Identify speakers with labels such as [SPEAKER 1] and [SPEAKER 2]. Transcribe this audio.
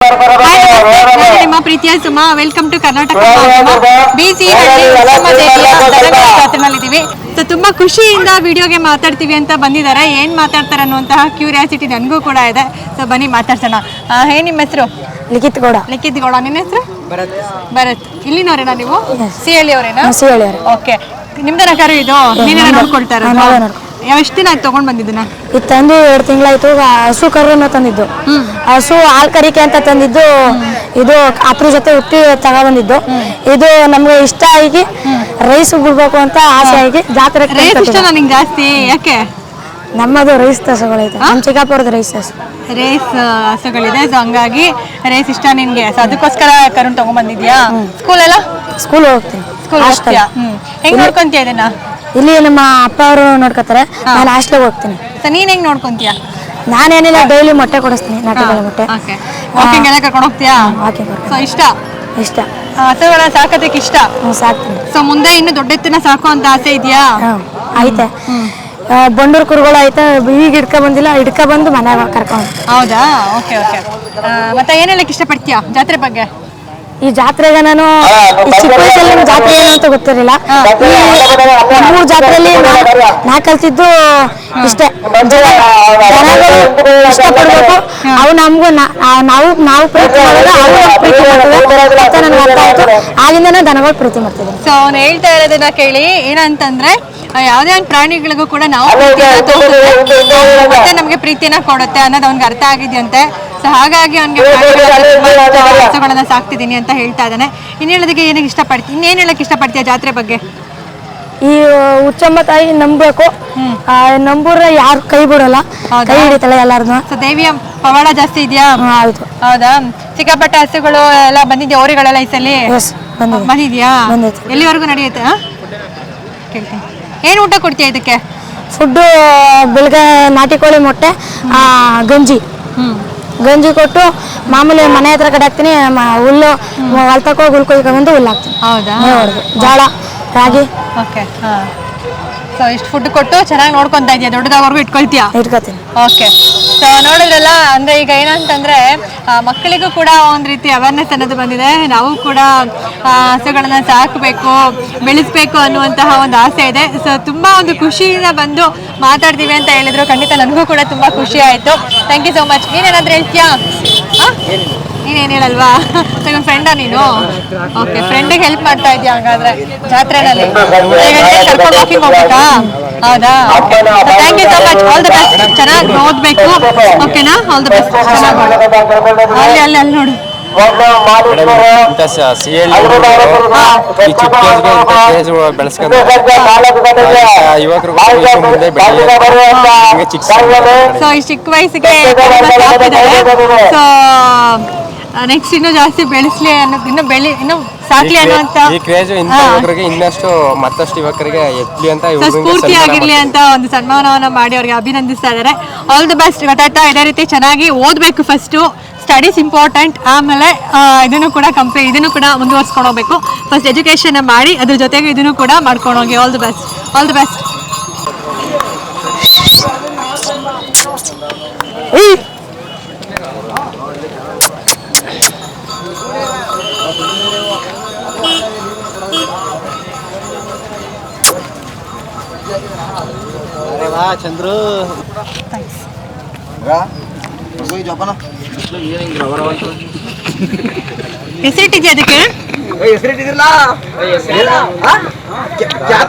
[SPEAKER 1] ನಿಮ್ಮ ಪ್ರೀತಿಯ Suma, welcome to Karnataka ಬಿಸಿ ಜಾತ್ರೆನಲ್ಲಿದ್ದೀವಿ. ಸೊ ತುಂಬಾ ಖುಷಿಯಿಂದ ವಿಡಿಯೋಗೆ ಮಾತಾಡ್ತೀವಿ ಅಂತ ಬಂದಿದ್ದಾರೆ. ಏನ್ ಮಾತಾಡ್ತಾರೆ ಅನ್ನುವಂತಹ ಕ್ಯೂರಿಯಾಸಿಟಿ ನನಗೂ ಕೂಡ ಇದೆ. ಸೊ ಬನ್ನಿ ಮಾತಾಡ್ಸೋಣ. ನಿಮ್ಮ ಹೆಸರು?
[SPEAKER 2] ಲಿಖಿತ್ ಗೌಡ.
[SPEAKER 1] ಲಿಖಿತ್ ಗೌಡ. ನಿನ್ನ ಹೆಸರು? ಭರತ್. ಇಲ್ಲಿನವರೇನಾ ನೀವು? ಸಿಹಳ್ಳಿ ಅವರೇನಾ? ಓಕೆ. ನಿಮ್ದನ ಕರು ಇದು? ನೀನೇನ ನೋಡ್ಕೊಳ್ತಾ ಇರೋದು? ಎಷ್ಟು ದಿನ ಆಯ್ತು ತಗೊಂಡ್ ಬಂದಿದ್ದನ್ನ?
[SPEAKER 2] ಇದು ತಂದು 2 ತಿಂಗಳಾಯ್ತು. ಹಸು ಕರುನ ತಂದಿದ್ದು. ಹಸು ಹಾಲ್ ಕರಿಕೆ ಅಂತ ತಂದಿದ್ದು. ಇದು ಅಪ್ರ ಜೊತೆ ಹುಟ್ಟಿ ತಗೊಬಂದಿದ್ದು. ಇದು ನಮ್ಗೆ ಇಷ್ಟ ಆಗಿ ರೈಸ್ ಬಿಡ್ಬೇಕು ಅಂತ ಆಸೆ ಆಗಿ ಜಾತ್ರೆ.
[SPEAKER 1] ರೈಸ್ ಇಷ್ಟ ನನಗೆ ಜಾಸ್ತಿ. ಯಾಕೆ?
[SPEAKER 2] ನಮ್ಮದು ರೈಸ್ ಹಸುಗಳೈತೆ. ನಮ್ಮ ಚಿಕ್ಕಪ್ಪರದ ರೈಸ್
[SPEAKER 1] ಹಸುಗಳಿದೆ. ಸೊ ಹಂಗಾಗಿ ರೈಸ್ ಇಷ್ಟ ನಿನ್ಗೆ. ಸೊ ಅದಕ್ಕೋಸ್ಕರ ಕರುಣ್ ತಗೊಂಡ್ಬಂದಿದ್ಯಾ?
[SPEAKER 2] ಸ್ಕೂಲ್ ಹೋಗ್ತೀನಿ.
[SPEAKER 1] ಸ್ಕೂಲ್ ಹೋಗ್ತೀಯಾ? ಹೆಂಗ್ ನೋಡ್ಕೊಂತೀಯ ಇದನ್ನ?
[SPEAKER 2] ಇಲ್ಲಿ ನಮ್ಮ ಅಪ್ಪ ಅವರು ನೋಡ್ಕೊತಾರೆ. ನಾನು ಹಾಸ್ಟೆಲ್ಗೆ ಹೋಗ್ತೀನಿ.
[SPEAKER 1] ನೀನ್ ಹೆಂಗ್ ನೋಡ್ಕೊಂತೀಯ?
[SPEAKER 2] ನಾನೇನಿಲ್ಲ, ಡೈಲಿ ಮೊಟ್ಟೆ ಕೊಡಿಸ್ತೀನಿ. ನಾಟಿಗಳ ಮೊಟ್ಟೆ.
[SPEAKER 1] ವಾಕಿಂಗ್ ಎಲ್ಲ ಕರ್ಕೊಂಡು ಹೋಗ್ತೀಯಾ? ಸೊ
[SPEAKER 2] ಇಷ್ಟ
[SPEAKER 1] ಹಸುಗಳ ಸಾಕೋದಕ್ಕೆ ಇಷ್ಟ?
[SPEAKER 2] ಸಾಕ್ತೀನಿ.
[SPEAKER 1] ಸೊ ಮುಂದೆ ಇನ್ನು ದೊಡ್ಡ ಎತ್ತಿನ ಸಾಕೋ ಅಂತ ಆಸೆ ಇದೆಯಾ?
[SPEAKER 2] ಐತೆ. ಬಂಡೂರು ಕುರುಗಳು ಐತೆ. ಈಗ ಬಂದಿಲ್ಲ, ಬಂದು ಮನೆಯಾಗ ಕರ್ಕೊಂಡು.
[SPEAKER 1] ಹೌದಾ? ಓಕೆ. ಮತ್ತೆ ಏನ್ ಹೇಳಕ್ ಇಷ್ಟಪಡ್ತೀಯಾ ಜಾತ್ರೆ ಬಗ್ಗೆ?
[SPEAKER 2] ಈ ಜಾತ್ರೆಗೆ ನಾನು ಚಿಕ್ಕ ವಯಸ್ಸಲ್ಲಿ ಜಾತ್ರೆ ಏನು ಅಂತ ಗೊತ್ತಿರಲಿಲ್ಲ. 3 ಜಾತ್ರೆಯಲ್ಲಿ ನಾ ಕಲ್ತಿದ್ದು ಇಷ್ಟೇ. ಜನಗಳು ಇಷ್ಟಪಡ್ಬೇಕು, ಅವು ನಮಗೂ ನಾವು ಪ್ರೀತಿ ಮಾಡಿದ್ರೆ ಅವು ಪ್ರೀತಿ ಮಾಡ್ತದೆ ಅಂತ ನನಗೆ ಅರ್ಥ ಆಯ್ತು. ಆಗಿಂದನೇ ದನಗಳು ಪ್ರೀತಿ ಮಾಡ್ತಿದ್ದೆ.
[SPEAKER 1] ಸೊ ಅವ್ನು ಹೇಳ್ತಾ ಇರೋದನ್ನ ಕೇಳಿ ಏನಂತಂದ್ರೆ, ಯಾವುದೇ ಒಂದು ಪ್ರಾಣಿಗಳಿಗೂ ಕೂಡ ನಾವು ಮತ್ತೆ ನಮಗೆ ಪ್ರೀತಿಯನ್ನ ಕೊಡುತ್ತೆ ಅನ್ನೋದು ಅವ್ನಿಗೆ ಅರ್ಥ ಆಗಿದೆಯಂತೆ. ಸೊ ಹಾಗಾಗಿ ಅವ್ನಿಗೆ ಹಸುಗಳನ್ನ ಸಾಕ್ತಿದ್ದೀನಿ ಅಂತ ಹೇಳ್ತಾ ಇದ್ದಾನೆ. ಇನ್ನು ಹೇಳೋದಕ್ಕೆ ಇನ್ನೇನು ಹೇಳಕ್ ಇಷ್ಟಪಡ್ತೀಯ ಜಾತ್ರೆ ಬಗ್ಗೆ?
[SPEAKER 2] ಈ ಹುಚ್ಚಮ್ಮ ತಾಯಿ ನಂಬಬೇಕು. ನಂಬೂರ ಯಾರು ಕೈ ಬಿಡಲ್ಲ, ಕೈ ಹಿಡಿತಾಳೆ ಎಲ್ಲಾರ್ನು.
[SPEAKER 1] ಸೊ ದೇವಿಯ ಪವಾಡ ಜಾಸ್ತಿ ಇದೆಯಾ? ಹೌದಾ? ಸಿಕ್ಕಾಪಟ್ಟೆ ಹಸುಗಳು ಎಲ್ಲ ಬಂದಿದ್ಯಾ? ಓರಿಗಳೆಲ್ಲ ಈ ಸಲ ಬಂದಿದ್ಯಾ? ಎಲ್ಲಿವರೆಗೂ ನಡೆಯುತ್ತೆ? ಕೇಳ್ತೀನಿ. ಏನು ಊಟ ಕೊಡ್ತೀಯ ಇದಕ್ಕೆ?
[SPEAKER 2] ಫುಡ್ಡು ಬೆಳಗ್ಗೆ ನಾಟಿ ಕೋಳಿ ಮೊಟ್ಟೆ, ಗಂಜಿ ಕೊಟ್ಟು ಮಾಮೂಲಿ ಮನೆ ಹತ್ರ ಕಡೆ ಹಾಕ್ತೀನಿ. ಹುಲ್ಲು ಹೊಲ್ತಕ್ಕೋ ಹುಲ್ ಕೊಯ್ಕೊಂಡು ಹುಲ್ಲು ಹಾಕ್ತೀನಿ.
[SPEAKER 1] ಹೌದಾ?
[SPEAKER 2] ಜೋಳ, ರಾಗಿ.
[SPEAKER 1] ಓಕೆ. ಸೊ ಇಷ್ಟು ಫುಡ್ ಕೊಟ್ಟು ಚೆನ್ನಾಗಿ ನೋಡ್ಕೊಂತಾ ಇದೆಯಾ? ದೊಡ್ಡದಾಗವರೆಗೂ ಇಟ್ಕೊಳ್ತೀನಿ. ಓಕೆ. ಸೊ ನೋಡಿದ್ರಲ್ಲ, ಅಂದ್ರೆ ಈಗ ಏನಂತಂದ್ರೆ ಮಕ್ಕಳಿಗೂ ಕೂಡ ಒಂದು ರೀತಿ ಅವೇರ್ನೆಸ್ ಅನ್ನೋದು ಬಂದಿದೆ. ನಾವು ಕೂಡ ಹಸುಗಳನ್ನ ಸಾಕಬೇಕು, ಬೆಳೆಸ್ಬೇಕು ಅನ್ನುವಂತಹ ಒಂದು ಆಸೆ ಇದೆ. ಸೊ ತುಂಬಾ ಒಂದು ಖುಷಿಯಿಂದ ಬಂದು ಮಾತಾಡ್ತೀವಿ ಅಂತ ಹೇಳಿದ್ರು. ಖಂಡಿತ ನನಗೂ ಕೂಡ ತುಂಬಾ ಖುಷಿ ಆಯ್ತು. Thank you so much. ನೀನೇನಾದ್ರೂ ಹೇಳ್ತೀಯಾ? ನೀನೇನು ಹೇಳಲ್ವಾ? ನನ್ನ ಫ್ರೆಂಡಾ ನೀನು? ಓಕೆ. ಫ್ರೆಂಡಿಗೆ ಹೆಲ್ಪ್ ಮಾಡ್ತಾ ಇದೆಯಾ ಹಾಗಾದ್ರೆ ಜಾತ್ರೆನಲ್ಲಿ? ಕರ್ಕೊಂಡು ವಾಕಿಂಗ್ ಹೋಗ್ಬೇಕಾ? ಹೌದಾ? Thank you so much. All the best. ಚೆನ್ನಾಗಿ ಓದ್ಬೇಕು. ಓಕೆನಾ? All the best. ಅಲ್ಲಿ ನೋಡು. ಸೊ ಈ ಚಿಕ್ಕ ವಯಸ್ಸಿಗೆ ಸೊ ನೆಕ್ಸ್ಟ್ ಇನ್ನೂ ಜಾಸ್ತಿ ಬೆಳೆಸ್ಲಿ ಅನ್ನೋದು, ಇನ್ನೂ ಸಾಕ್ಲಿ ಅನ್ನುವಂತ
[SPEAKER 3] ಇನ್ನಷ್ಟು ಮತ್ತಷ್ಟು ಯುವಕರಿಗೆ ಎತ್ಲಿ ಅಂತ
[SPEAKER 1] ಸ್ಫೂರ್ತಿ ಆಗಿರ್ಲಿ ಅಂತ ಒಂದು ಸನ್ಮಾನವನ್ನ ಮಾಡಿ ಅವ್ರಿಗೆ ಅಭಿನಂದಿಸ್ತಾ ಇದ್ದಾರೆ. All the best. ಗೊತ್ತಾಯ್ತಾ? ಇದೇ ರೀತಿ ಚೆನ್ನಾಗಿ ಓದಬೇಕು. ಫಸ್ಟು ಸ್ಟಡೀಸ್ ಇಂಪಾರ್ಟೆಂಟ್, ಆಮೇಲೆ ಇದನ್ನು ಕೂಡ ಮುಂದುವರ್ಸ್ಕೊಂಡು ಹೋಗ್ಬೇಕು. ಫಸ್ಟ್ ಎಜುಕೇಶನ್ ಮಾಡಿ ಅದ್ರ ಜೊತೆಗೆ ಇದನ್ನು ಕೂಡ ಮಾಡ್ಕೊಂಡು ಹೋಗಿ. All the best.
[SPEAKER 3] ಚಂದ್ರು
[SPEAKER 1] ಹೆಸರಿಟ್ಟಿದ್ಯಾ ಅದಕ್ಕೆ?